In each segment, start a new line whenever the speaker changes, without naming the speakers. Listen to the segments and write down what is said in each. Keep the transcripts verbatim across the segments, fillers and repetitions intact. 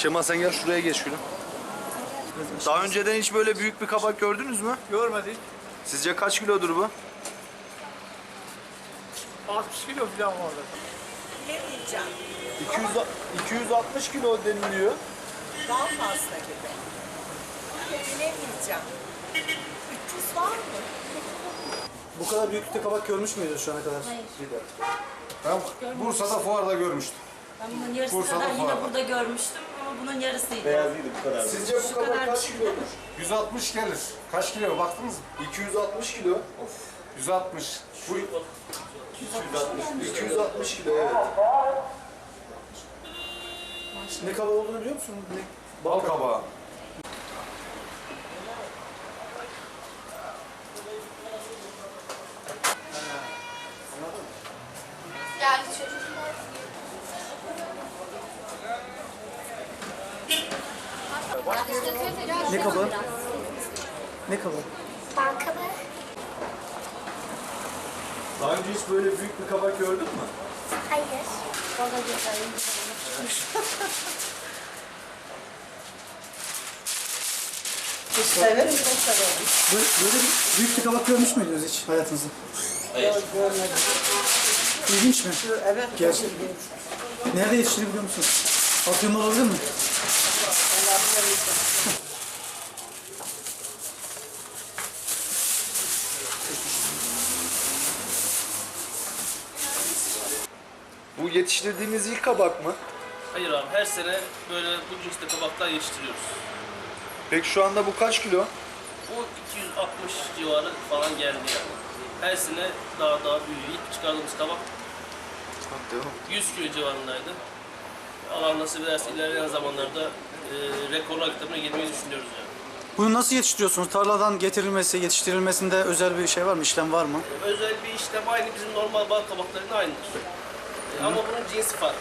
Şema sen gel şuraya geç şunu. Daha önceden hiç böyle büyük bir kabak gördünüz mü?
Görmedik.
Sizce kaç kilodur bu?
altmış kilo falan vardı.
Bilemeyeceğim.
iki yüz, iki yüz altmış kilo deniliyor.
Daha fazla gibi. Bilemeyeceğim. üç yüz var mı?
Bu kadar büyüklükte kabak görmüş müydünüz şu ana kadar?
Ben Bursa'da fuarda görmüştüm.
Ben bunun yarısı
Bursa'da
kadar yine
fuar var.
burada görmüştüm ama bunun yarısıydı.
Beyazıydı bu kadar. Sizce bu
Şu
kabak
kadar
kaç
bir şey.
kilodur?
yüz altmış gelir. Kaç kilo baktınız mı?
iki yüz altmış kilo.
yüz altmış. Bu
iki yüz altmış kilo evet.
Ne kabak olduğunu biliyor musun? Ne?
bal kabağı.
Geldi çocuklar.
Ne kabağı? Ne kabağı?
Bankalı.
Daha önce hiç böyle büyük bir kabak gördün mü?
Hayır.
Severim, çok severim.
Böyle, böyle bir büyük bir kabak görmüş müydünüz hiç hayatınızda?
Yok, görmedim.
İlginç mi?
Evet,
Gerçek. Nerede yetiştiğini biliyor musunuz? Afyon'da olabilir mi?
Bu yetiştirdiğiniz ilk kabak mı?
Hayır abi, her sene böyle bu cinste kabaklar yetiştiriyoruz.
Peki şu anda bu kaç kilo?
Bu iki yüz altmış civarı falan geldi yani. Her sene daha daha büyüyor. İlk çıkardığımız kabak yüz kilo civarındaydı. Allah nasip ederse ilerleyen zamanlarda e, rekorlar kitabına girmeyi düşünüyoruz yani.
Bunu nasıl yetiştiriyorsunuz? Tarladan getirilmesi, yetiştirilmesinde özel bir şey var mı? İşlem var mı?
E, özel bir işlem aynı bizim normal bal kabaklarının aynıdır. E, ama bunun cinsi farklı.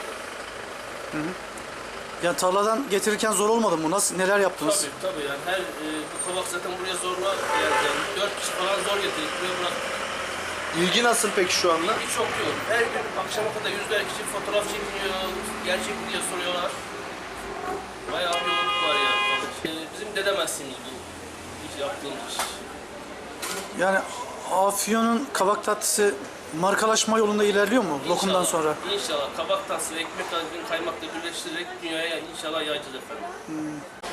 Yani tarladan getirirken zor olmadı mı? Nasıl, neler yaptınız?
Tabii tabii yani her e, bu kabak zaten buraya zorla geldi. Yani dört kişi falan zor getirdik buraya bıraktık.
İlgi nasıl peki şu anda?
İlgi çok yoğun. Her gün akşama kadar yüzler kişi fotoğraf çekiliyor, gerçek mi diye soruyorlar. Bayağı bir yoğunluk var yani. Ee, bizim dedem mesleğimiz bu. Hiç yaptığımız iş.
Yani Afyon'un kabak tatlısı markalaşma yolunda ilerliyor mu lokumdan
İnşallah,
sonra?
İnşallah kabak tatlısı ve ekmek arasını kaymakla birleştirerek dünyaya inşallah yayacağız efendim.